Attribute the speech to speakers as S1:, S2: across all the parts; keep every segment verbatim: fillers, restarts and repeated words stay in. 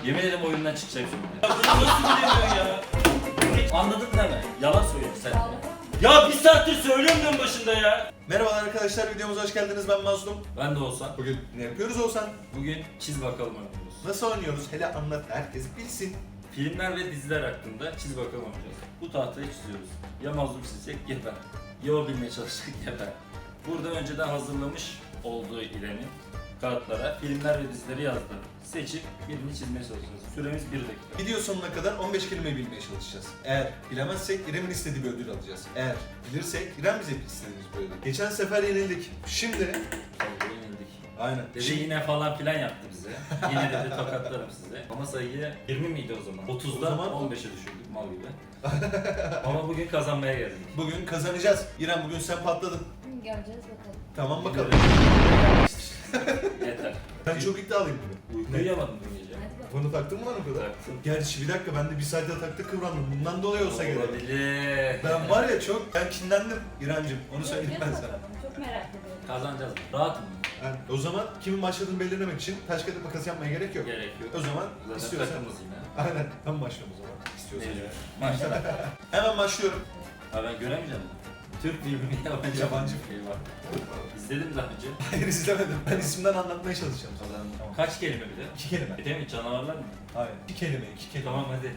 S1: Yemin ederim oyundan çıkacağım şimdi. Ya bunu nasıl bilemiyorsun ya? Anladın değil mi? Yalan söylüyorsun sen. Ya bir saattir söylüyorum diyorum başında ya.
S2: Merhabalar arkadaşlar, videomuza hoş geldiniz. Ben Mazlum.
S1: Ben de Oğuzhan.
S2: Bugün ne yapıyoruz Oğuzhan?
S1: Bugün çiz bakalım oynuyoruz.
S2: Nasıl oynuyoruz? Hele anlat, herkes bilsin.
S1: Filmler ve diziler hakkında çiz bakalım oynayacağız. Bu tahtayı çiziyoruz. Ya Mazlum çizecek ya ben. Ya o bilmeye çalışacak ya ben. Burada önceden hazırlamış olduğu İrem'in kağıtlara filmler ve dizileri yazdı. Seçip birini çizmeye çalışacağız. Süremiz bir dakika.
S2: Video sonuna kadar on beş kelime bilmeye çalışacağız. Eğer bilemezsek İrem'in istediği bir ödül alacağız. Eğer bilirsek İrem bize istediğimiz bir ödül. Geçen sefer yenildik. Şimdi...
S1: Tabii yenildik.
S2: Aynen.
S1: Dedi
S2: Şimdi...
S1: yine falan filan yaptı bize. Yine dedi tokatlarım size. Ama sayıyı yirmi miydi o zaman? otuzdan
S2: O zaman-
S1: on beşe düşürdük mal gibi. Ama bugün kazanmaya geldik.
S2: Bugün kazanacağız. İrem bugün sen patladın.
S3: Göreceğiz bakalım.
S2: Tamam bakalım.
S1: Yeter.
S2: Ben çok iddialıyım bugün.
S1: Uyku uyuyamadım dün gece.
S3: Hadi bakalım.
S2: Bunu taktın mı lan o kadar?
S1: Taktım.
S2: Gerçi bir dakika ben de bir saatte taktık kıvrandım. Bundan dolayı olsa gerek.
S1: Olabilir.
S2: Ben var ya çok, ben kinlendim İrem'cim. Onu söyleyeyim ben
S3: Göreceğiz
S2: sana.
S3: bakalım. Çok merak ediyorum.
S1: Kazanacağız. Rahatım.
S2: Yani o zaman kimin başladığını belirlemek için taş kağıt makas yapmaya gerek yok.
S1: Gerek yok.
S2: O zaman
S1: Zaten
S2: istiyorsan...
S1: takımız yine.
S2: Aynen, ben başlıyorum o zaman. İstiyorsan.
S1: Mecbur. Maşallah.
S2: Hemen başlıyorum.
S1: Ha ben göremeyeceğim. Türk filmi mi yabancı?
S2: Yabancı
S1: film var. İzledim daha önce.
S2: Hayır izlemedim. Ben isimden anlatmaya çalışacağım.
S1: Kazandım.
S2: Tamam.
S1: Kaç kelime bir de?
S2: İki kelime.
S1: Bir de mi canavarlar mı?
S2: Hayır. İki kelime, iki kelime.
S1: Tamam hadi.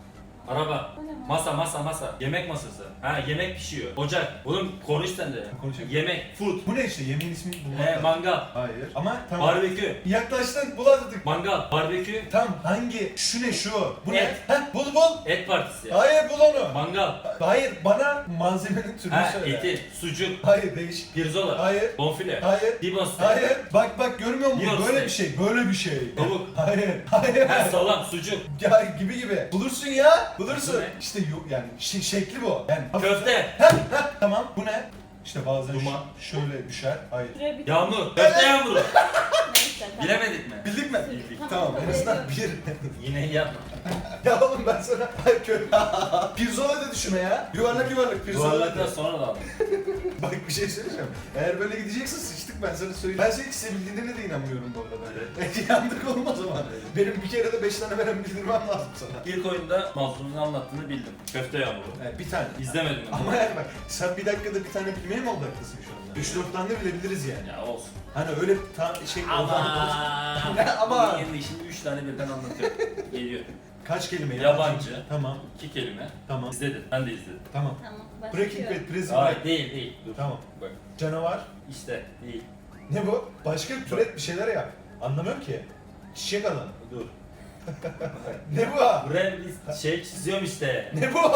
S1: Araba.
S3: Bu ne lan?
S1: Masa masa masa. Yemek masası. Ha yemek pişiyor. Ocak. Oğlum konuş sen de.
S2: Konuşayım.
S1: Yemek. Food.
S2: Bu ne işte? Yemeğin ismini bulmak
S1: He
S2: lazım.
S1: mangal.
S2: Hayır. Ama tamam.
S1: Barbekü.
S2: Yaklaştın, buladık.
S1: Mangal. Barbekü.
S2: Tam hangi? Şu ne şu? Bu
S1: Et.
S2: ne? Heh, bul bul.
S1: Et partisi.
S2: Hayır bul onu.
S1: Mangal.
S2: Hayır bana malzemenin türünü
S1: Ha
S2: söyle.
S1: eti. Sucuk.
S2: Hayır değiş.
S1: Pirzola.
S2: Hayır.
S1: Bonfile.
S2: Hayır.
S1: Dibon steak.
S2: Hayır. Bak bak görmüyor musun?
S1: Yiyoruz
S2: Böyle
S1: steak.
S2: bir şey. Böyle bir şey.
S1: Tavuk.
S2: Hayır. Hayır.
S1: Ha salam. Sucuk.
S2: Ya gibi gibi. Bulursun ya. Bulursun.
S1: Bu ne?
S2: İşte yok yani şi- şekli bu. Yani
S1: Köfte.
S2: tamam. Bu ne? İşte bazen
S1: Duman.
S2: ş- şöyle düşer. Hayır.
S3: Süre bitti.
S1: Yağmur. Köfte yağmuru.
S3: Neyse tamam.
S1: Bilemedik mi?
S2: Bildik mi?
S1: Bildik.
S2: Tamam. En azından bir.
S1: Yine yapma.
S2: Ya oğlum ben sana hayır kö. Pirzola da düşünme ya. Yuvarlak yuvarlak pirzola.
S1: Duvarlardan sonra da aldım.
S2: Bak bir şey söyleyeceğim. Eğer böyle gideceksin sıçtık ben sana söyleyeyim. Ben senin sevildiğine de inanmıyorum bu arada.
S1: Evet.
S2: Yandık olmaz o zaman. Benim bir kere de beş tane veren bildirmem lazım sana.
S1: İlk oyunda Mazlum'un anlattığını bildim. Köfte yağmuru.
S2: Evet, bir tane.
S1: İzlemedim onu.
S2: Ama yani bak sen bir dakikada bir tane bilmeye mi odaklısın şu anda? üç dört tane de bilebiliriz yani.
S1: Ya olsun.
S2: Hani öyle ta şey
S1: Ama.
S2: Ne ama?
S1: Bunun yerine şimdi üç tane birden anlatıyor. Geliyor.
S2: Kaç kelime?
S1: Yabancı.
S2: Tamam.
S1: İki kelime.
S2: Tamam.
S1: İzledin. Ben de izledim.
S2: Tamam.
S3: Tamam.
S2: Breaking
S3: başlıyorum.
S2: Bad, Prison
S1: Hayır
S2: Break.
S1: değil değil. Dur.
S2: Tamam.
S1: Bak.
S2: Canavar.
S1: İşte değil.
S2: Ne bu? Başka bir türet bir şeyler yap. Anlamıyorum ki. Çiçek adam.
S1: Dur.
S2: Ne bu?
S1: Buraya bir şey çiziyorum işte.
S2: Ne bu?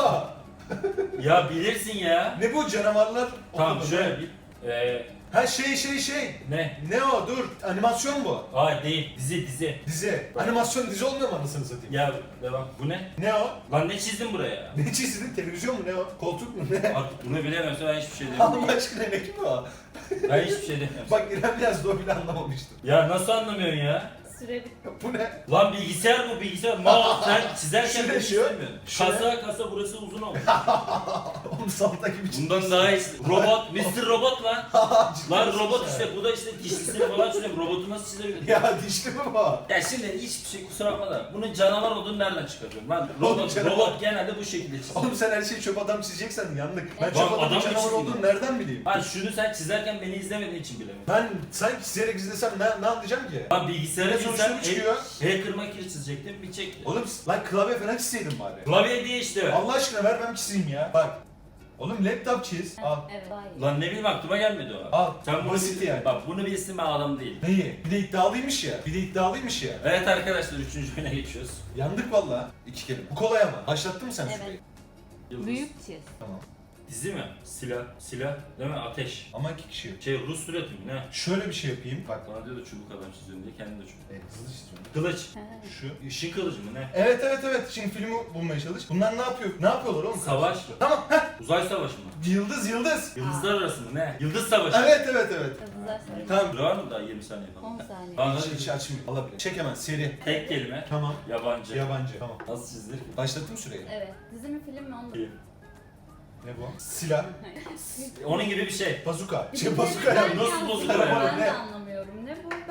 S1: Ya bilirsin ya.
S2: Ne bu canavarlar?
S1: Tamam
S2: Okudum.
S1: şöyle bir. Ee,
S2: Ha şey şey şey.
S1: ne?
S2: Ne o? Dur. Animasyon bu.
S1: Hayır değil. Dizi dizi.
S2: Dizi. Animasyon dizi olmuyor mu anasını satayım?
S1: Ya devam. Bu ne?
S2: Ne o?
S1: Lan ne çizdin buraya?
S2: Ne çizdin? Televizyon mu? Ne o? Koltuk mu? Ne?
S1: Artık bunu bilemezsem ben hiçbir şey demiyorum.
S2: Allah aşkına ne ki bu?
S1: Ben hiçbir şey demiyorum.
S2: Bak İrem yazdı o bile anlamamıştır.
S1: Ya nasıl anlamıyorsun ya?
S3: Süre bitti.
S2: Bu ne?
S1: Lan bilgisayar bu bilgisayar. Mal sen çizerken
S2: Şu
S1: beni
S2: ne şu?
S1: istemiyorsun.
S2: Şu ne?
S1: Kasa kasa burası uzun olmuş.
S2: Oğlum salta gibi çizmişsin.
S1: Bundan daha iyi. Robot, mister Robot lan.
S2: Ciddi
S1: Lan
S2: misin
S1: robot
S2: sen?
S1: işte bu da işte dişlisini falan çiziyorum. Robotu nasıl çizebilirim?
S2: Ya dişli mi bu?
S1: Ya şimdi hiçbir şey kusura bakma da bunun canavar olduğunu nereden çıkarıyorum lan?
S2: Oğlum
S1: Robot,
S2: canavar.
S1: robot genelde bu şekilde çiziyor.
S2: Oğlum sen her şeyi çöp adam çizeceksen yandık. Ben
S3: Lan
S2: çöp adamın
S1: adam mı
S2: canavar
S1: çizdin
S2: olduğunu
S1: lan?
S2: nereden bileyim?
S1: Lan şunu sen çizerken beni izlemediğin için bilemiyorum.
S2: Ben sanki çizerek izlesem ne, ne anlayacağım ki?
S1: Lan bilgisayara
S2: Ne
S1: çizsem
S2: sonuçları çıkıyor?
S1: hacker makir çizecektim bir çekti.
S2: Oğlum lan klavye falan çizseydin bari.
S1: Klavye diye işte.
S2: Allah aşkına ver ben çizeyim ya. Bak. Oğlum laptop çiz. Al.
S3: Evet. Hayır.
S1: Lan ne bileyim aklıma gelmedi o.
S2: Al.
S1: Sen bunu
S2: Basit
S1: bil-
S2: yani.
S1: Bak bunu bilsin ben adam değil.
S2: Neyi? Bir de iddialıymış ya. Bir de iddialıymış ya.
S1: Evet arkadaşlar üçüncü oyuna geçiyoruz.
S2: Yandık valla. İki kelime. Bu kolay ama. Başlattın mı sen
S3: Evet.
S2: süreyi?
S1: Yıldız.
S3: Büyük çiz.
S2: Tamam.
S1: Dizi mi? Silah. Silah değil mi? Ateş.
S2: Ama iki kişi yok.
S1: Şey Rus süreti mi ne?
S2: Şöyle bir şey yapayım. Bak.
S1: Bana diyor da çubuk adam çiziyorum diye kendim de çubuk.
S2: Evet, hızlı çiziyorum.
S1: Kılıç.
S3: Ha.
S2: Şu.
S1: Işın kılıcı mı ne?
S2: Evet evet evet. Şimdi filmi bulmaya çalış. Bunlar ne yapıyor? Ne yapıyorlar oğlum?
S1: Savaş.
S2: Tamam. Heh.
S1: Uzay savaşı mı?
S2: Yıldız yıldız.
S1: Yıldızlar arası mı ne? Yıldız savaşı.
S2: Evet evet evet.
S3: Hızlılar söyle.
S2: Tamam.
S1: Var mı daha yirmi saniye falan?
S3: on saniye.
S1: Tamam
S2: Hiç,
S1: hadi.
S2: hiç açmıyor. Alabilir. Çek hemen seri.
S1: Tek kelime.
S2: Tamam.
S1: Yabancı.
S2: Yabancı. Tamam.
S1: Nasıl çizilir ki?
S2: Başlattım süreyi.
S3: Evet. Dizi mi film mi onu da.
S2: Ne bu? Silah.
S1: Onun gibi bir şey.
S2: Bazuka.
S3: Bir
S2: Şey
S3: de
S2: bazuka
S3: ben
S2: ya.
S1: Nasıl
S3: yanlış
S1: bazuka
S3: anlıyorum,
S2: ya?
S3: Ben
S2: Ne?
S3: de anlamıyorum. Ne bu?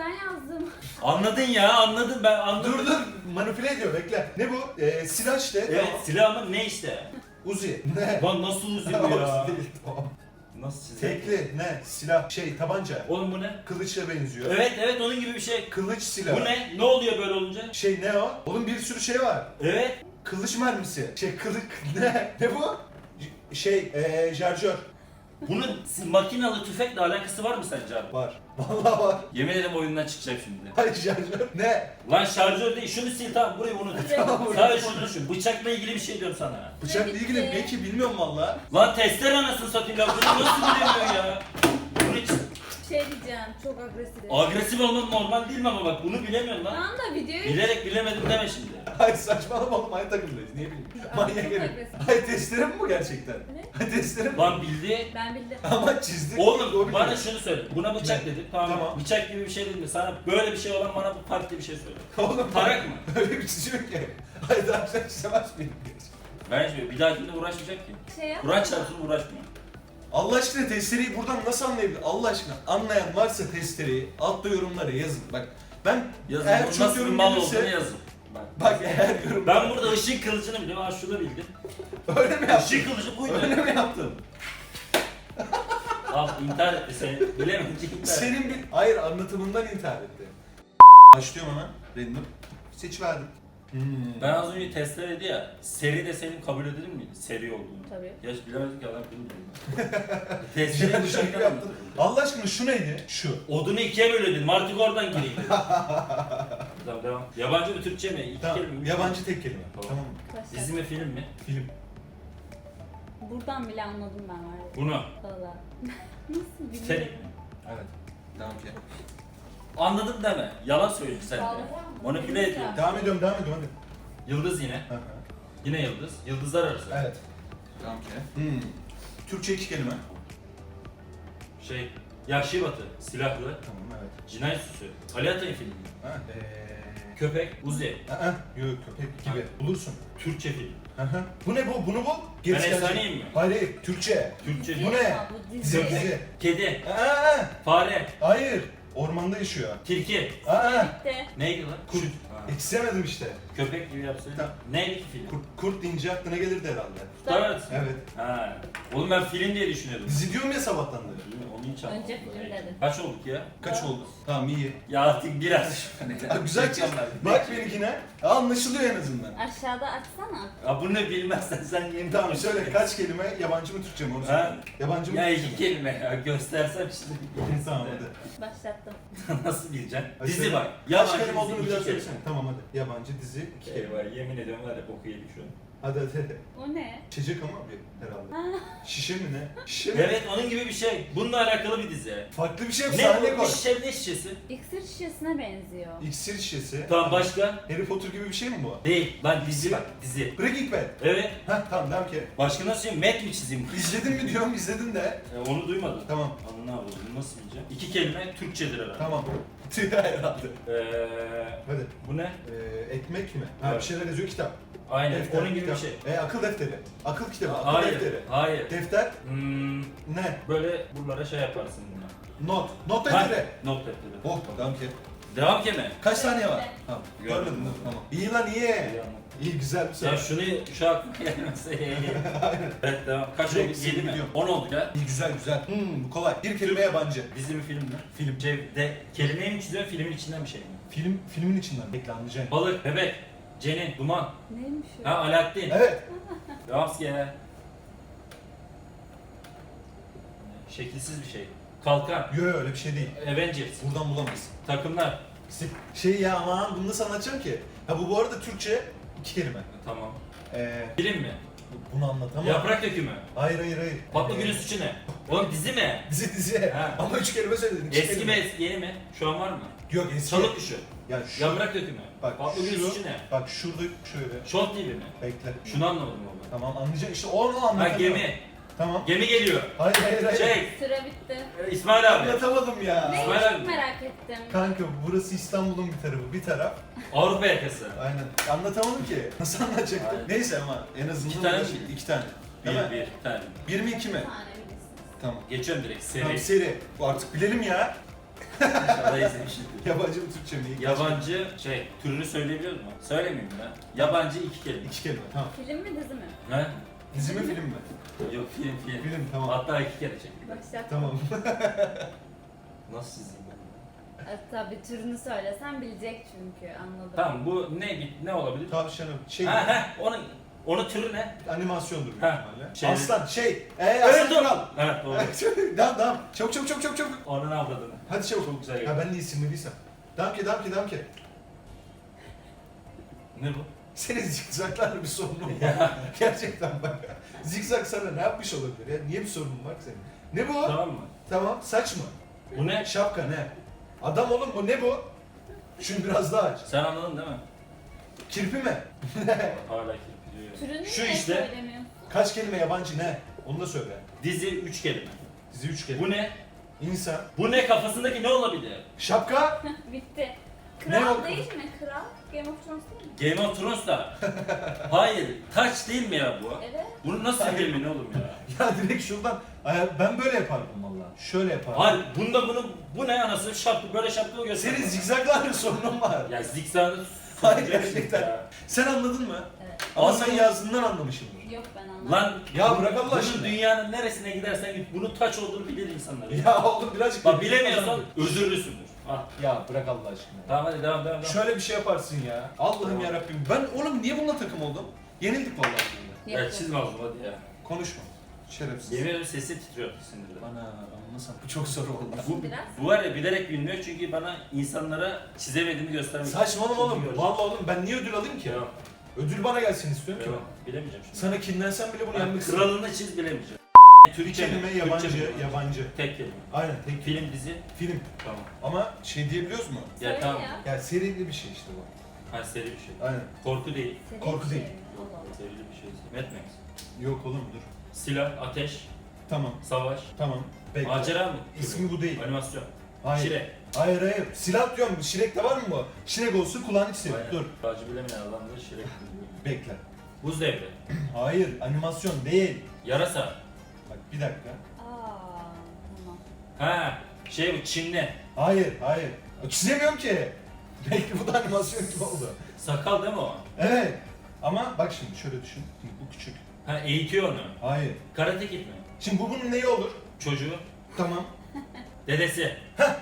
S3: ben yazdım.
S1: Anladın ya, anladın ben anladım.
S2: Dur dur manipüle ediyor bekle. Ne bu? Ee, silah işte.
S1: Evet,
S2: Tamam.
S1: silah mı ne işte?
S2: Uzi. Ne?
S1: Lan nasıl uzuyor ya?
S2: Uzi değil, tamam.
S1: Nasıl çizer?
S2: Tekli ne? Silah şey tabanca.
S1: Oğlum bu ne?
S2: Kılıçla benziyor.
S1: Evet evet onun gibi bir şey.
S2: Kılıç silah.
S1: Bu ne? Ne oluyor böyle olunca?
S2: Şey ne o? Oğlum bir sürü şey var.
S1: Evet.
S2: Kılıç mermisi. Şey kılık ne? Ne bu? J- Şey ee, şarjör.
S1: Bunun makinalı tüfekle alakası var mı sence abi?
S2: Var. Vallahi var.
S1: Yemin ederim oyundan çıkacak şimdi.
S2: Hayır şarjör. Ne?
S1: Lan şarjör değil, şunu sil tamam burayı unut.
S3: Tamam,
S1: Sadece şunu düşün, bıçakla ilgili bir şey diyorum sana.
S2: Bıçakla
S3: bitti.
S2: ilgili ne ki bilmiyorum valla.
S1: Lan testere anasını satayım ya, bunu nasıl bilemiyor ya? Bunu hiç
S3: Şey diyeceğim, çok agresif.
S1: agresif olman normal değil mi ama bak bunu bilemiyorsun lan.
S3: Tamam da videoyu...
S1: Bilerek bilemedim deme şimdi.
S2: Hayır saçmalama oğlum aynı takımdayız. Niye bileyim?
S3: Aa,
S2: Manyak
S3: çok
S2: herif.
S3: agresif.
S2: Hayır testere mi bu gerçekten?
S3: Ne?
S2: Hayır testere mi?
S1: Lan bildi.
S3: Ben bildim.
S2: Ama çizdik.
S1: Oğlum
S2: Doğru
S1: bana
S2: biliyorum.
S1: şunu söyle. Buna bıçak
S2: Ne?
S1: dedik tamam, mı?
S2: Tamam.
S1: Bıçak gibi bir şey dedim de sana böyle bir şey olan bana farklı bir şey söyle.
S2: Oğlum
S1: Tarak mı?
S2: öyle bir çiziyor ki. Hayır daha güzel çizemez miyim?
S1: Ben hiç bir dahakinde uğraşmayacak ki.
S3: Şey yap.
S1: Kur'an çarpsın uğraşma.
S2: Allah aşkına testereyi buradan nasıl anlayabilir? Allah aşkına anlayan varsa testereyi altta yorumlara yazın. Bak ben
S1: Yazın.
S2: eğer
S1: Bunun
S2: çok
S1: nasıl bir
S2: yorum
S1: mal
S2: gelirse...
S1: olduğunu yazın. Bak.
S2: Bak eğer yorum...
S1: Ben burada ışık kılıcını biliyorum. Ha şunu bildim.
S2: Öyle mi yaptın?
S1: Işık kılıcı buydu.
S2: Öyle mi yaptın?
S1: Al intihar etti seni. Bilemedi intihar etti.
S2: Senin bir... Hayır anlatımından intihar etti. Başlıyorum hemen. Random. Seç verdim. Hmm.
S1: Ben az önce testler dedi ya, seri de senin kabul edilir miydi? Seri olduğunu.
S3: Tabii.
S1: Ya bilemedik ki adam bilmiyor.
S2: Ya
S1: Testleri
S2: şaka
S1: dışarıdan
S2: yaptın.
S1: anlatırım.
S2: Allah aşkına şu neydi? Şu.
S1: Odunu ikiye bölüyordun, artık oradan gireyim dedim. Tamam devam. Yabancı mı Türkçe mi? İki
S2: Tamam.
S1: kelime mi?
S2: Yabancı tek kelime.
S1: Tamam.
S2: Tamam mı?
S3: Başla.
S1: Dizi mi film mi?
S2: Film.
S3: Buradan bile anladım ben var ya.
S1: Bunu.
S3: Valla. Nasıl
S1: Sen...
S3: biliyorum?
S2: Evet. Devam ki.
S1: Anladım deme. Yalan söylüyorsun sen de.
S3: Vallahi
S1: Manipüle ediyorsun.
S2: Devam ediyorum, devam ediyorum hadi.
S1: Yıldız yine.
S2: Hı hı.
S1: Yine yıldız. Yıldızlar arası.
S2: Evet. Devam ki. Hmm. Türkçe iki kelime.
S1: Şey, Yahşi Batı, silahlı,
S2: Tamam evet.
S1: cinayet süsü, Ali Atay'ın filmi,
S2: Ha, ee...
S1: köpek, Uzi,
S2: Aa, yok köpek gibi. Bulursun.
S1: Türkçe film.
S2: Hı hı. Bu ne bu? Bunu bul.
S1: Ben
S2: Gerisi gelecek.
S1: efsaneyim mi?
S2: Hayır, hayır. Türkçe.
S1: Türkçe
S2: Bu
S1: film.
S2: ne?
S3: Aa, bu
S2: Dizi,
S3: dizi.
S2: dizi.
S1: Kedi,
S2: Aa,
S1: fare,
S2: hayır. Ormanda yaşıyor.
S1: tilki.
S2: Aa,
S3: Bitti.
S1: Neydi lan?
S2: Kurt.
S1: Ha.
S2: yetiştiremedim işte.
S1: Köpek gibi yapsaydın.
S2: Tamam.
S1: Neydi ki film?
S2: Kurt, kurt deyince aklına gelirdi herhalde.
S1: Evet.
S2: Evet.
S1: Ha. Oğlum ben film diye düşünüyordum.
S2: Dizi diyorum ya sabahtan beri.
S1: Onu hiç anlamadım.
S3: Önce film dedim.
S1: Kaç olduk ya?
S2: Kaç oldu? Tamam iyi.
S1: Ya artık biraz.
S2: Ha, güzel çiz. Bak benimkine. Anlaşılıyor en azından.
S3: Aşağıda açsana.
S1: Ya bunu bilmezsen sen yemin
S2: Tamam söyle kaç kelime yabancı mı Türkçe mi onu söyle.
S1: Ha?
S2: Yabancı mı
S1: Ya
S2: Türkçe
S1: iki
S2: mi?
S1: kelime ya göstersem şimdi.
S2: Tamam hadi.
S3: Başlattım.
S1: Nasıl bileceksin?
S2: Hadi
S1: Dizi
S2: söyle.
S1: bak.
S2: Kaç
S1: Yabancı
S2: kelime
S1: dizi,
S2: olduğunu
S1: iki
S2: bir daha
S1: kelime.
S2: söylesene. Tamam hadi. Yabancı dizi iki kelime.
S1: Eyvah yemin ediyorum var ya boku yedik şu an.
S2: Hadi hadi hadi.
S3: O ne?
S2: İçecek ama bir herhalde.
S3: Ha.
S2: Şişe mi ne? Şişe mi?
S1: Evet onun gibi bir şey. Bununla alakalı bir dizi.
S2: Farklı bir şey mi?
S1: Ne
S2: Sahne
S1: bu?
S2: koy.
S1: Bir şişe ne şişesi?
S3: İksir şişesine benziyor.
S2: İksir şişesi.
S1: Tamam başka?
S2: Harry Potter gibi bir şey mi bu?
S1: Değil. Lan dizi bak dizi.
S2: Breaking Bad.
S1: Evet.
S2: Heh tamam devam ki.
S1: Başka nasıl şey? Met mi çizeyim?
S2: İzledin mi diyorum izledin de.
S1: E, onu duymadım.
S2: Tamam.
S1: Onu ne yapalım? Nasıl bileceğim? İki kelime Türkçedir herhalde.
S2: Tamam. herhalde.
S1: Ee,
S2: Hadi.
S1: bu ne?
S2: Ee, ekmek mi? Ha bir
S1: Evet.
S2: şeyler yazıyor kitap.
S1: Aynen.
S2: Defter,
S1: onun gibi
S2: kitap.
S1: bir şey.
S2: E akıl defteri. Akıl kitabı. Akıl
S1: Hayır.
S2: defteri.
S1: Hayır.
S2: Defter
S1: Hmm,
S2: ne?
S1: böyle buralara şey yaparsın buna.
S2: Not. Not
S1: Ha,
S2: defteri.
S1: Not defteri.
S2: Oh devam ki.
S1: Devam ki mi?
S2: Kaç saniye var?
S3: Evet.
S2: Tamam.
S1: Gördüm.
S2: Görmedin değil mi? Tamam. İyi lan iyi. İyi güzel bir
S1: Ya
S2: soru.
S1: şunu şu aklıma gelmese iyi. Evet devam. Kaç
S2: Direkt
S1: oldu? Yedi mi?
S2: biliyorum.
S1: On oldu ya.
S2: İyi güzel güzel. Hmm bu kolay. Bir kelime yabancı.
S1: Dizi mi film mi?
S2: Film.
S1: Şey, de, kelimeyi mi çiziyorsun filmin içinden bir şey mi?
S2: Film filmin içinden bekle anlayacaksın.
S1: Balık, bebek, Cenin, Duman.
S3: Neymiş o?
S1: Ha Alaaddin.
S2: Evet.
S1: Devam ki ya. Şekilsiz bir şey. Kalkan.
S2: Yo yo öyle bir şey değil.
S1: Avengers.
S2: Buradan bulamayız.
S1: Takımlar.
S2: Şey ya aman bunu nasıl anlatacağım ki? Ha bu bu arada Türkçe iki kelime.
S1: Tamam.
S2: Ee,
S1: Film mi?
S2: bunu anlatamam.
S1: Yaprak dökümü.
S2: Hayır hayır hayır.
S1: Fatma
S2: Ee,
S1: Gül'ün suçu ne? Oğlum dizi mi?
S2: Dizi dizi.
S1: Ha.
S2: Ama üç kelime söyledin. iki
S1: Eski mi
S2: kelime.
S1: eski yeni mi? Şu an var mı?
S2: Yok eski.
S1: Çalık kuşu.
S2: Ya şu,
S1: Yaprak dökümü.
S2: bak
S1: Fatma Gül'ün
S2: şu,
S1: suçu ne?
S2: bak şurada şöyle.
S1: Şort gibi mi?
S2: Bekle.
S1: Şunu anlamadım oğlum.
S2: Tamam anlayacaksın. İşte onu
S1: Ha
S2: anlatamam.
S1: gemi.
S2: Tamam.
S1: Gemi geliyor.
S2: Hayır hayır hayır.
S1: Şey,
S3: Süre bitti.
S1: e, İsmail abi.
S2: Anlatamadım ya.
S3: Ne?
S1: İsmail abi.
S3: Çok merak ettim.
S2: Kanka burası İstanbul'un bir tarafı. Bir taraf.
S1: Avrupa yakası.
S2: Aynen. Anlatamadım ki. Nasıl anlatacaktım?
S1: Aynen.
S2: Neyse ama en azından
S1: İki tane
S2: uğraştık.
S1: mi?
S2: İki tane.
S1: Bir,
S2: Değil mi?
S1: bir, bir tane.
S2: Bir mi iki mi?
S3: Bir tane bilirsiniz.
S2: Tamam.
S1: Geçiyorum direkt seri.
S2: Tamam seri. Bu artık bilelim ya.
S1: İnşallah izlemişsindir.
S2: Yabancı mı Türkçe mi?
S1: Yabancı şey, türünü söyleyebiliyor musun? Söylemeyeyim ya. Yabancı iki kelime.
S2: İki kelime tamam.
S3: Film mi dizi mi?
S1: Ne?
S2: Dizi mi film mi?
S1: Yok film film.
S2: Film tamam.
S1: Hatta iki kere çektik.
S3: Başlat.
S2: Tamam.
S1: Nasıl çizeyim ben?
S3: E, tabii türünü söylesen bilecek çünkü anladım.
S1: Tamam bu ne ne olabilir?
S2: Tavşanım şey
S1: Ha ha onun onun türü ne?
S2: animasyondur büyük
S1: Ha,
S2: ihtimalle.
S1: şey-
S2: Aslan şey. Eee Aslan
S1: Evet
S2: Kral.
S1: Evet doğru.
S2: Devam devam. Çabuk çabuk çabuk çabuk çabuk.
S1: Onun avradını.
S2: Hadi çabuk.
S1: Çok güzel
S2: Ha
S1: geldi.
S2: ben de isimlediysem. Devam ki devam ki devam ki.
S1: Ne bu?
S2: Senin zikzaklarla bir sorunun var. Gerçekten bak. Zikzak sana ne yapmış olabilir ya? Niye bir sorunun var ki senin? Ne bu?
S1: Tamam mı?
S2: Tamam. Saç mı?
S1: Bu ne?
S2: Şapka ne? Adam oğlum bu ne bu? Şunu biraz daha aç.
S1: Sen anladın değil mi?
S2: Kirpi mi?
S1: Hala kirpi diyor.
S3: Türünü
S1: Şu
S3: niye
S1: işte.
S3: söylemiyorsun?
S2: Kaç kelime yabancı ne? Onu da söyle.
S1: Dizi üç kelime.
S2: Dizi üç kelime.
S1: Bu ne?
S2: İnsan.
S1: Bu ne kafasındaki ne olabilir?
S2: Şapka.
S3: Bitti.
S2: Ne
S3: Kral
S2: oldu?
S3: değil mi? Kral? Game of Thrones değil mi?
S1: Game of Thrones da. Hayır. Taç değil mi ya bu?
S3: Evet.
S1: Bunu nasıl
S2: Hayır.
S1: bileyim ne oğlum ya?
S2: Ya direkt şuradan. Ay, ben böyle yapardım valla. Şöyle yapardım.
S1: Hayır. Bunda bunu bu ne anasını şapka böyle şapka göster.
S2: Senin zigzaglarla sorunun var.
S1: Ya zikzaklı
S2: Hayır, gerçekten. Sen anladın mı?
S3: Evet.
S2: Ama sen
S1: Anladım.
S2: yazdığından anlamışımdır.
S3: Yok ben anlamadım.
S1: Lan
S2: Ya bırak Allah
S1: bunun
S2: aşkına.
S1: dünyanın neresine gidersen git bunun taç olduğunu bilir insanlar.
S2: Ya oğlum birazcık...
S1: Bak bilemiyorsan özürlüsündür. Ah.
S2: Ya bırak Allah aşkına.
S1: Tamam hadi devam devam devam.
S2: Şöyle bir şey yaparsın ya. Allah'ım
S1: Tamam.
S2: yarabbim. Ben oğlum niye bununla takım oldum? Yenildik vallahi burada.
S1: Ya
S3: Yok,
S1: çizme
S3: yok.
S1: oğlum hadi ya.
S2: Konuşma. Şerefsiz.
S1: Yemin ederim sesi titriyor sinirden.
S2: Bana anlasam bu çok zor oldu.
S1: Bu,
S3: Biraz.
S1: bu var ya bilerek bilmiyor çünkü bana insanlara çizemediğimi göstermek
S2: Saçmalama oğlum.
S1: Çünkü
S2: Vallahi oğlum ben niye ödül alayım ki?
S1: Devam.
S2: Ödül bana gelsin istiyorum ki
S1: Devam.
S2: ben.
S1: Bilemeyeceğim şimdi.
S2: Sana kinlensem bile bunu
S1: Ben
S2: yenmek istedim.
S1: kralını çiz bilemeyeceğim.
S2: Bir
S1: Türkçe mi?
S2: kelime
S1: Türkçe
S2: yabancı,
S1: mi?
S2: yabancı.
S1: Tek kelime.
S2: Aynen tek film.
S1: Film, dizi.
S2: Film.
S1: Tamam.
S2: Ama şey diyebiliyoruz mu?
S1: Ya
S3: Söyle
S1: tamam.
S3: ya.
S2: Ya serili bir şey işte bu.
S1: Ha seri bir şey.
S2: Aynen.
S1: Korku değil.
S3: Seri
S2: Korku
S3: bir şey
S2: değil.
S3: mi? Allah Allah.
S1: Serili bir şey. Mad Max.
S2: Yok oğlum dur.
S1: Silah, ateş,
S2: Tamam,
S1: savaş,
S2: tamam. Bekle.
S1: macera mı?
S2: İsmi bu değil.
S1: Animasyon.
S2: Hayır.
S1: Şirek.
S2: Hayır hayır. Silah diyorum. Şirek'te var mı bu? Şirek olsun kulağını çizelim.
S1: Aynen.
S2: Dur.
S1: Acı bilemeyen adam da Şirek.
S2: Bekle.
S1: Buz devri.
S2: Hayır. Animasyon değil.
S1: Yarasa.
S2: Bak bir dakika.
S3: Aa, tamam.
S1: Ha, şey bu Çinli.
S2: Hayır hayır. Çizemiyorum ki. Belki bu da animasyon gibi oldu.
S1: Sakal değil mi o?
S2: Evet. Ama bak şimdi şöyle düşün. Bu küçük.
S1: Ha eğitiyor onu.
S2: Hayır.
S1: Karate Kid mi?
S2: Şimdi bu bunun neyi olur?
S1: Çocuğu.
S2: Tamam.
S1: Dedesi.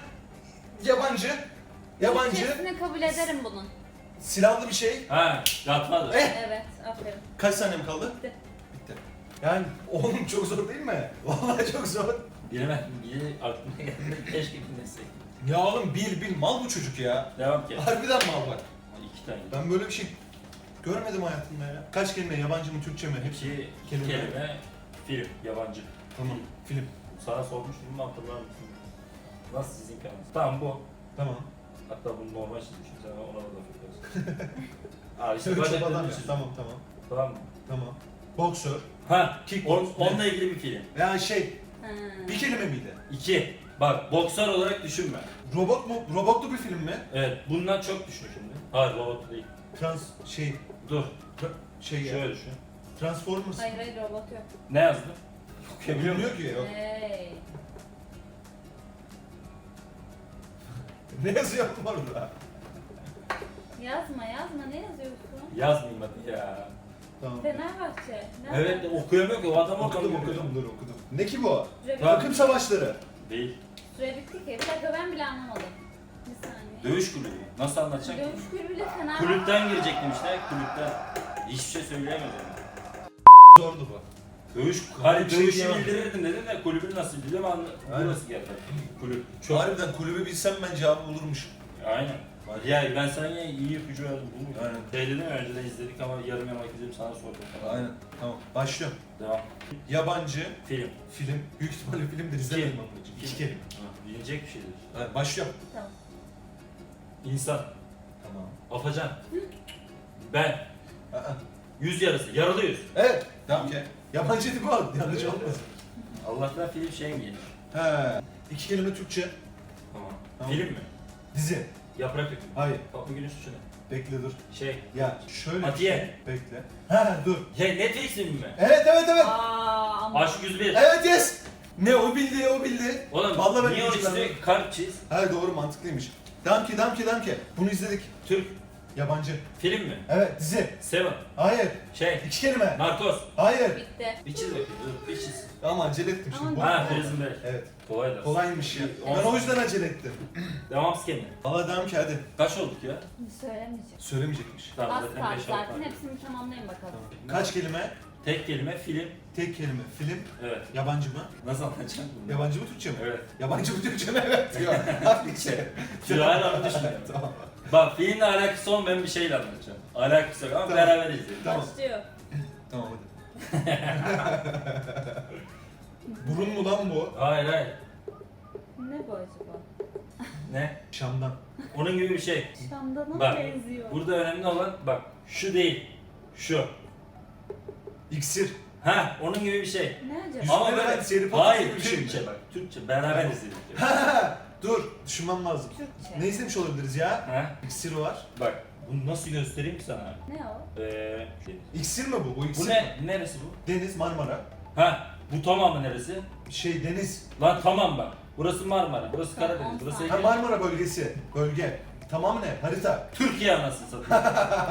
S2: Yabancı. Yabancı.
S3: Türkçesini kabul ederim bunun.
S2: Silahlı bir şey.
S1: Ha, Godfather.
S2: Eh.
S3: Evet, aferin.
S2: Kaç saniyem kaldı?
S3: Bitti.
S2: Bitti. Yani oğlum çok zor değil mi? Vallahi çok zor.
S1: Bilemem. Biri aklıma geldi. Keşke bilmesek.
S2: Ya oğlum bil bil mal bu çocuk ya.
S1: Devam ki.
S2: Harbiden mal bak.
S1: İki tane.
S2: Ben böyle bir şey görmedim hayatımda ya. Kaç kelime yabancı mı Türkçe mi? Hepsi.
S1: İki
S2: kelime.
S1: kelime. Film. Yabancı.
S2: Tamam. Film.
S1: Sana sormuştum mu hatırlar mısın? Nasıl sizin kanalınız? Tamam bu.
S2: Tamam.
S1: Hatta bunu normal çizmişim. Sen ona da laf ediyorsun. Aa işte
S2: Çok
S1: böyle
S2: adam
S1: adam
S2: ya. Tamam tamam.
S1: Tamam mı?
S2: Tamam. Boksör.
S1: Ha,
S2: Kickbox.
S1: on, onunla ilgili bir film.
S2: Ya şey
S3: Ha.
S2: bir kelime miydi?
S1: İki. Bak boksör olarak düşünme.
S2: Robot mu? Robotlu bir film mi?
S1: Evet, bundan çok düşün şimdi. Hayır, robot değil.
S2: Trans şey
S1: Dur,
S2: tra- şey ya.
S1: şöyle düşün.
S2: Transformers.
S3: Hayır hayır robot yok.
S1: Ne yazdın? Okuyabiliyor
S2: Bilmiyor
S1: musun?
S2: ki. Yok.
S3: Hey.
S2: Ne yazıyor orada?
S3: Yazma yazma ne yazıyorsun?
S1: Yazmayayım hadi ya.
S2: Tamam.
S3: Fenerbahçe. Nerede?
S1: Evet, de okuyamıyor ki o adam orada
S2: Okudum
S1: okuyor.
S2: okudum dur okudum. Ne ki bu?
S3: Süre,
S1: Tamam.
S2: Takım savaşları.
S1: Değil.
S3: süre bitti ki. Bir dakika ben bile anlamadım. Bir saniye.
S1: Dövüş kulübü. Nasıl anlatacak ki?
S3: Dövüş kulübüyle Fenerbahçe.
S1: Kulüpten girecektim işte, kulüpten. Hiçbir şey söyleyemez yani.
S2: Zordu bu.
S1: Dövüş,
S2: Bir
S1: hani
S2: şey
S1: dövüşü
S2: diyemem.
S1: bildirirdim dedim de kulübün nasıl biliyorum ama
S2: Aynen.
S1: burası geldi. Kulüp. Çok.
S2: Harbiden kulübü bilsem ben cevabı bulurmuşum.
S1: Aynen. Ya ben sana yine iyi ipucu verdim. Bu mu?
S2: Aynen.
S1: Şey dedim ya, önceden izledik ama yarım yamak izledim sana sordum falan.
S2: Aynen. Tamam. Başlıyorum.
S1: Devam.
S2: Yabancı
S1: Film.
S2: film. Büyük ihtimalle filmdir izlemedim
S1: İki.
S2: ama.
S1: İki.
S2: İki kelime.
S1: Ha, bilinecek bir şeydir.
S2: Evet, başlıyorum.
S3: Tamam.
S1: İnsan.
S2: Tamam.
S1: Afacan. Ben.
S2: Aa.
S1: Yüz yarısı. Yaralı yüz.
S2: Evet. Tamam ki. Yabancı değil bu. Yanlış olmasın.
S1: Allah'tan film şey mi gelir?
S2: He. İki kelime Türkçe.
S1: Tamam.
S2: Tamam.
S1: Film mi?
S2: Dizi.
S1: Yaprak dökümü.
S2: Hayır.
S1: Fatma Gül'ün suçu ne?
S2: Bekle dur.
S1: Şey.
S2: Ya şöyle bir
S1: Atiye.
S2: şey. Bekle. He dur.
S1: Şey Netflix filmi mi?
S2: Evet evet evet.
S3: Aa, ama
S1: Aşk yüz bir.
S2: Evet yes. Ne o bildi o bildi.
S1: Oğlum
S2: Vallahi ben
S1: niye o
S2: bilmiyorum.
S1: çizdi? Kalp çiz.
S2: Ha doğru mantıklıymış. Damki damki damki. Bunu izledik.
S1: Türk.
S2: Yabancı.
S1: Film mi?
S2: Evet dizi.
S1: Seven.
S2: Hayır.
S1: Şey.
S2: İki kelime.
S1: Narkoz.
S2: Hayır.
S3: Bitti.
S1: Bir çiz bakayım. Dur bir çiz.
S2: Ama acele ettim şimdi.
S3: Ama-
S1: Ha Prison Break.
S2: Evet.
S1: Kolay da.
S2: Kolaymış ya.
S1: On-
S2: Ben o yüzden acele ettim.
S1: Devam skeni.
S2: Valla damki hadi.
S1: Kaç olduk ya?
S3: Söylemeyeceğim.
S2: Söylemeyecekmiş.
S1: Tamam
S3: Az
S1: zaten
S3: kaldı
S1: beş
S3: zaten.
S1: altı.
S3: Hepsini tamamlayın bakalım.
S2: Kaç kelime?
S1: Tek kelime film.
S2: Tek kelime. Film.
S1: Evet.
S2: Yabancı mı?
S1: Nasıl anlatacağım bunu?
S2: Yabancı mı Türkçe mi?
S1: Evet.
S2: Yabancı mı Türkçe mi? Evet diyor. Hafif şey.
S1: Şu hala düşünüyorum.
S2: Tamam.
S1: Bak filmle alakası olmayan bir şeyle anlatacağım. Alakası yok ama
S2: Tamam.
S1: beraber izleyelim.
S2: Tamam.
S3: Başlıyor.
S2: Tamam hadi. Burun mu lan bu?
S1: Hayır hayır.
S3: Ne bu acaba?
S1: Ne?
S2: Şam'dan.
S1: Onun gibi bir şey.
S3: Şamdan'a
S1: Bak,
S3: benziyor.
S1: Burada önemli olan bak şu değil. Şu.
S2: İksir.
S1: Ha onun gibi bir şey.
S3: Ne acaba?
S2: Yüzüklerin
S1: Ama böyle
S2: Efendisi, Harry Potter
S1: hayır
S2: gibi bir şey mi?
S1: Türkçe bak. Türkçe beraber izledik. diyor.
S2: Dur, düşünmem lazım.
S3: Türkçe.
S2: Ne izlemiş olabiliriz ya?
S1: Ha?
S2: İksir var.
S1: Bak bunu nasıl göstereyim ki sana?
S3: Ne o?
S1: Ee, şey.
S2: İksir mi bu? Bu iksir
S1: Bu
S2: mi?
S1: ne? Neresi bu?
S2: Deniz, Marmara.
S1: Ha bu tamamı neresi?
S2: Şey deniz.
S1: Lan tamam bak. Burası Marmara, burası
S3: Tamam,
S1: Karadeniz, burası
S3: tamam.
S2: Ha
S1: Ege.
S2: Marmara bölgesi. Bölge. Tamam ne? Harita.
S1: Türkiye anasını satayım.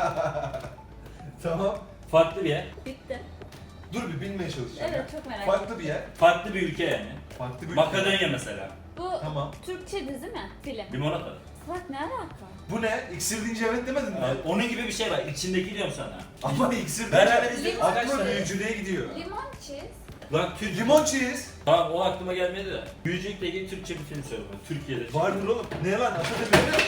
S2: Tamam.
S1: Farklı bir yer.
S3: Bitti.
S2: Dur bir bilmeye çalışacağım.
S3: Evet çok merak ettim.
S2: Farklı bir yer.
S1: Farklı bir ülke yani.
S2: Farklı bir ülke.
S1: Makedonya mesela.
S3: Bu
S2: Tamam.
S3: Türkçe dizi mi? Film.
S1: Limonata.
S3: Bak ne alaka?
S2: Bu ne? İksir deyince evet demedin mi?
S1: Yani onun gibi bir şey var. İçindeki diyorum sana.
S2: Ama iksir
S1: Beraber
S2: deyince
S1: izledik
S3: Limon.
S1: kaç
S2: aklıma
S1: tane?
S2: büyücülüğe gidiyor.
S3: Limon çiz.
S1: Lan Türk.
S2: Limon cheese.
S1: Tamam o aklıma gelmedi de. Büyücülükle ilgili Türkçe bir film söyle bana. Türkiye'de.
S2: Vardır oğlum. Ne lan? Atatürk'ün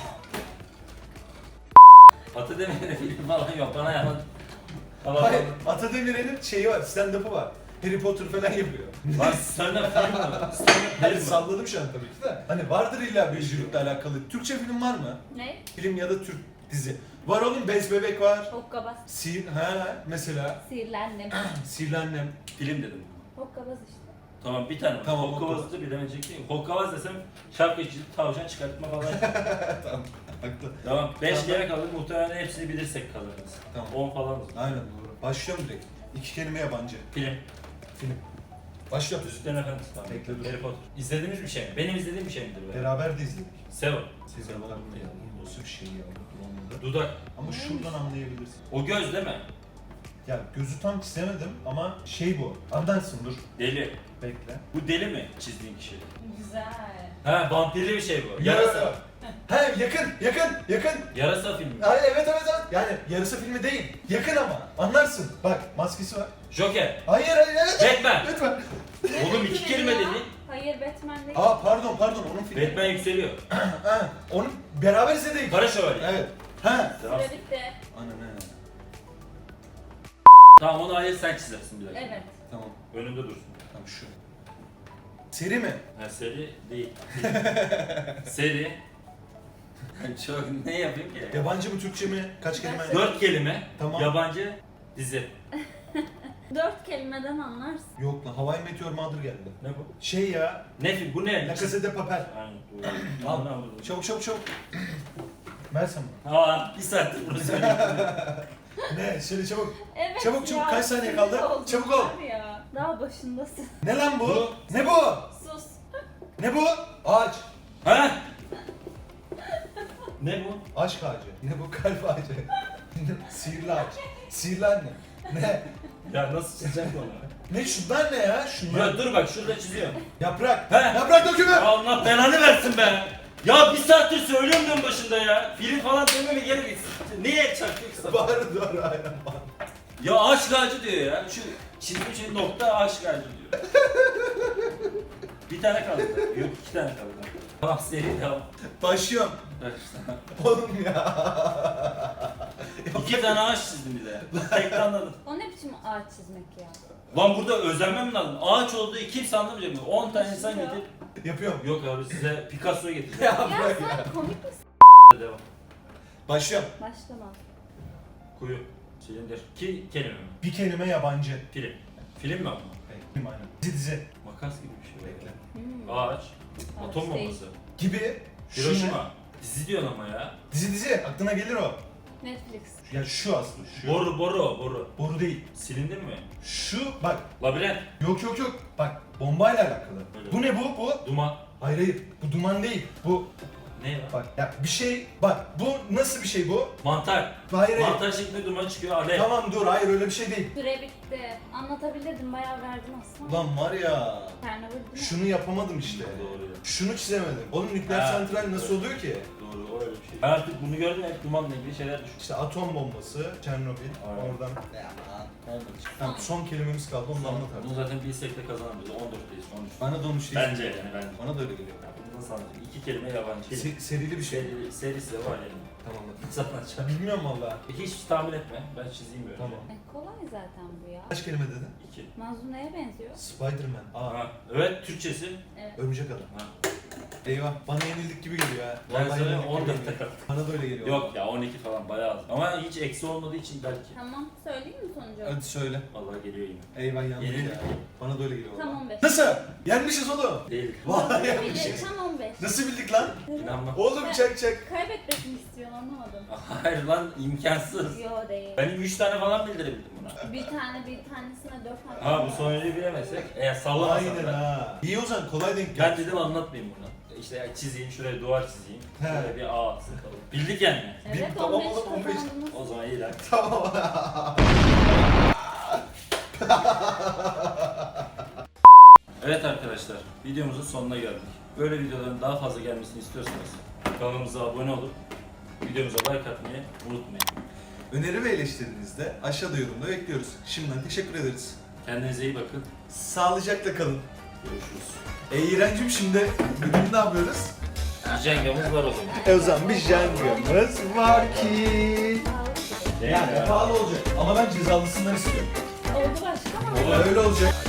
S1: Atademir'de film falan yok. Bana yalan.
S2: Hayır, Atademir'in şeyi var, stand-up'ı var. Harry Potter falan yapıyor.
S1: Lan senden film mi? Senden
S2: Hayır,
S1: film mi?
S2: salladım şu an tabii ki de. Hani vardır illa büyücülükle alakalı. Türkçe film var mı?
S3: Ne?
S2: Film ya da Türk dizi. Var oğlum, Bez Bebek var.
S3: Hokkabaz.
S2: Sihir, ha mesela.
S3: Sihirlendim.
S2: Sihirli Annem.
S1: Film dedim.
S3: Hokkabaz işte.
S1: Tamam bir tane.
S2: Tamam,
S1: Tamam, Hokkabaz'ı da bilemeyecek değil. Hokkabaz desem şapka çizip tavşan çıkartma falan.
S2: Tamam, haklı.
S1: Tamam. beş
S2: Tamam.
S1: kere kaldı. Muhtemelen hepsini bilirsek kalırız.
S2: Tamam.
S1: on falan olur.
S2: Aynen doğru. Başlıyorum direkt. İki kelime yabancı.
S1: Film.
S2: Film. Başlıyorum.
S1: Yüzüklerin Efendisi. Tamam.
S2: Bekle, dur.
S1: Harry Potter. İzlediğimiz bir şey mi? Benim izlediğim bir şey midir be?
S2: Beraber de izledik.
S1: Seven.
S2: Siz de nasıl bir şey ya? Bulamadım.
S1: Dudak.
S2: Ama şuradan anlayabilirsin.
S1: O göz değil mi?
S2: Ya gözü tam çizemedim ama şey bu. Andarsın dur.
S1: Deli.
S2: Bekle.
S1: Bu deli mi çizdiğin kişi?
S3: Güzel.
S1: Ha vampirli bir şey bu. Yarasa.
S2: He yakın, yakın, yakın.
S1: Yarasa filmi.
S2: Ay, evet evet evet. Yani yarısı filmi değil. Yakın ama. Anlarsın. Bak maskesi var.
S1: Joker.
S2: Hayır hayır evet.
S1: Batman.
S2: Lütfen.
S1: Oğlum iki kelime
S3: Ya.
S1: dedi.
S3: Hayır Batman değil.
S2: Aa pardon pardon onun filmi.
S1: Batman yükseliyor.
S2: Ha, onu beraber izledik.
S1: Kara Şövalye.
S2: Evet. Ha.
S3: Süre bitti.
S2: Ana ne?
S1: Tamam onu hayır sen çizersin bir dakika.
S3: Evet.
S2: Tamam.
S1: Önünde dursun.
S2: Tamam şu. Seri mi?
S1: Ha seri değil. seri. Çok ne yapayım ki?
S2: Yabancı mı Türkçe mi? Kaç kelime?
S3: Dört.
S1: Dört kelime.
S2: Tamam.
S1: Yabancı dizi.
S3: Dört kelimeden anlarsın.
S2: Yok lan Hawaii Meteor Mother geldi.
S1: Ne bu?
S2: Şey ya.
S1: Ne film? Bu ne?
S2: La Casa de Papel.
S1: Aynen, doğru.
S2: Al.
S1: Al, al, al.
S2: Çabuk çabuk çabuk. Versene bana.
S1: Aa, bir saattir bunu söylüyorum.
S2: Ne? Söyle çabuk.
S3: Evet
S2: Çabuk, çabuk.
S3: ya,
S2: Kaç saniye
S3: sinir
S2: kaldı?
S3: oldum
S2: Çabuk ol.
S3: var Ya. Daha başındasın.
S2: Ne lan bu?
S1: Bu.
S2: Ne bu?
S3: Sus.
S2: Ne bu? Ağaç.
S1: ha? Ne bu?
S2: Aşk ağacı. Ne bu? Kalp ağacı. Sihirli ağaç. Sihirli anne. Ne?
S1: Ya nasıl çizeceğim ki onu?
S2: Ne şunlar ne ya? Şunlar.
S1: Ya dur bak şurada çiziyorum.
S2: Yaprak.
S1: He.
S2: Yaprak dökümü.
S1: Allah belanı versin be. Ya bir saattir söylüyorum ben başında ya. Film falan dememe gerek yok. Niye çakıyorsun?
S2: Bağırı doğru aynen bağır.
S1: Ya aşk ağacı diyor ya. Şu çizdiğim şey nokta aşk ağacı diyor. Bir tane kaldı. Yok iki tane kaldı. Tamam seri devam.
S2: Başlıyorum.
S1: Bak işte.
S2: Oğlum ya.
S1: İki tane ağaç çizdim bir de. Tek anladım.
S3: O ne biçim ağaç çizmek ya?
S1: Lan burada özenmem lazım. Ağaç olduğu kimse anlamayacak mı? on tane insan getir.
S2: Yapıyorum.
S1: Yok abi size Picasso'yu getireceğim.
S2: Ya
S3: Ya
S2: bırak ya.
S3: sen komik misin?
S1: Devam.
S2: Başlıyorum.
S3: Başlama.
S1: Kuyu. Silindir. Ki kelime mi?
S2: Bir kelime yabancı.
S1: Film. Film mi ama?
S2: Film aynen. Dizi dizi.
S1: Makas gibi bir şey.
S2: Bekle.
S3: Hmm.
S1: Ağaç.
S3: Ağaç
S1: Atom
S3: değil.
S1: bombası.
S2: Gibi. Şu ne?
S1: Hiroşima. Dizi diyorsun ama ya.
S2: Dizi dizi. Aklına gelir o.
S3: Netflix.
S2: Ya şu aslında şu.
S1: Boru boru o, boru.
S2: Boru değil.
S1: Silindin mi?
S2: Şu bak.
S1: Labirent.
S2: Yok yok yok. Bak bombayla alakalı.
S1: Öyle.
S2: Bu ne bu? Bu.
S1: Duman.
S2: Hayır hayır. Bu duman değil. Bu
S1: Ne lan?
S2: bak ya bir şey bak bu nasıl bir şey bu?
S1: Mantar.
S2: Hayır hayır.
S1: Mantar şeklinde duman çıkıyor. Alev.
S2: Tamam dur hayır öyle bir şey değil.
S3: Süre bitti. Anlatabilirdim, bayağı verdim aslında.
S2: Ulan var ya.
S3: Çernobil değil mi?
S2: Şunu yapamadım işte.
S1: Doğru ya.
S2: Şunu çizemedim. Oğlum nükleer
S1: Ha,
S2: santral nasıl
S1: evet.
S2: oluyor ki?
S1: Doğru, o öyle bir şey. Ben artık bunu gördüm, hep dumanla ilgili şeyler düşündüm.
S2: İşte atom bombası, Çernobil,
S1: Aynen.
S2: oradan.
S1: Olmadı.
S2: Tamam, son kelimemiz kaldı onu da anlat
S1: Bunu
S2: artık.
S1: zaten bilsek de kazanamayız. on dörtteyiz, on üç.
S2: Bana da onu şey
S1: Bence yani bence.
S2: Bana da öyle geliyor.
S1: Ya bunu nasıl anlatayım? İki kelime yabancı.
S2: Se- serili bir şey.
S1: Seri, serisi de var yani.
S2: Tamam hadi.
S1: Nasıl anlatacağım?
S2: Bilmiyorum valla.
S1: Hiç tahmin etme. Ben çizeyim böyle.
S2: Tamam.
S3: E, kolay zaten bu ya.
S2: Kaç kelime dedin?
S1: İki.
S3: Mazlum neye benziyor?
S2: Spiderman. Aa,
S1: Ha. Evet, Türkçesi.
S3: Evet.
S2: örümcek adam.
S1: Ha.
S2: Eyvah, bana yenildik gibi geliyor ha.
S1: Ben
S2: Vallahi
S1: sana
S2: yenildik gibi
S1: on dörtte
S2: geliyor.
S1: kaldım.
S2: Bana da öyle geliyor.
S1: Yok ya, on iki falan bayağı az. Ama hiç eksi olmadığı için belki.
S3: Tamam, söyleyeyim mi sonucu?
S2: Hadi söyle.
S1: Vallahi geliyor yine.
S2: Eyvah yandık
S1: Yenildik.
S2: ya. Bana da öyle geliyor.
S3: Tam
S2: vallahi.
S3: on beş.
S2: Nasıl? Yenmişiz oğlum.
S1: Değil.
S2: Vallahi
S3: Bile,
S2: yenmişiz.
S3: tam on beş.
S2: Nasıl bildik lan?
S1: İnanma.
S2: Oğlum çak çak.
S3: Kaybetmek mi istiyorsun, anlamadım.
S1: Hayır lan, imkansız.
S3: Yo değil.
S1: Benim üç tane falan bildirebildim buna.
S3: Bir tane, bir tanesine dört tane.
S1: Ha, bu sonuncuyu bilemezsek eğer sallamasam
S2: Aynen
S1: ben.
S2: ha. İyi o zaman kolay denk
S1: Ben
S2: geldi.
S1: dedim anlatmayayım bunu. İşte ya çizeyim, şuraya duvar çizeyim.
S2: He.
S1: Şuraya bir ağ sıkalım. Bildik yani.
S3: Evet,
S2: Bir- tamam
S3: on beş
S2: oğlum, on beş.
S3: kazandınız.
S1: O zaman iyi lan.
S2: Tamam.
S1: Evet arkadaşlar, videomuzun sonuna geldik. Böyle videoların daha fazla gelmesini istiyorsanız kanalımıza abone olup videomuza like atmayı unutmayın.
S2: Öneri ve eleştirinizi de aşağıda yorumda bekliyoruz. Şimdiden teşekkür ederiz.
S1: Kendinize iyi bakın.
S2: Sağlıcakla kalın.
S1: Görüşürüz.
S2: E İğrencim şimdi bugün ne yapıyoruz?
S1: Bir cengamız var o zaman.
S2: E o zaman bir jangamız var ki. Yani pahalı olacak ama ben cezalısından istiyorum.
S3: Oldu başka ama.
S2: Öyle olacak.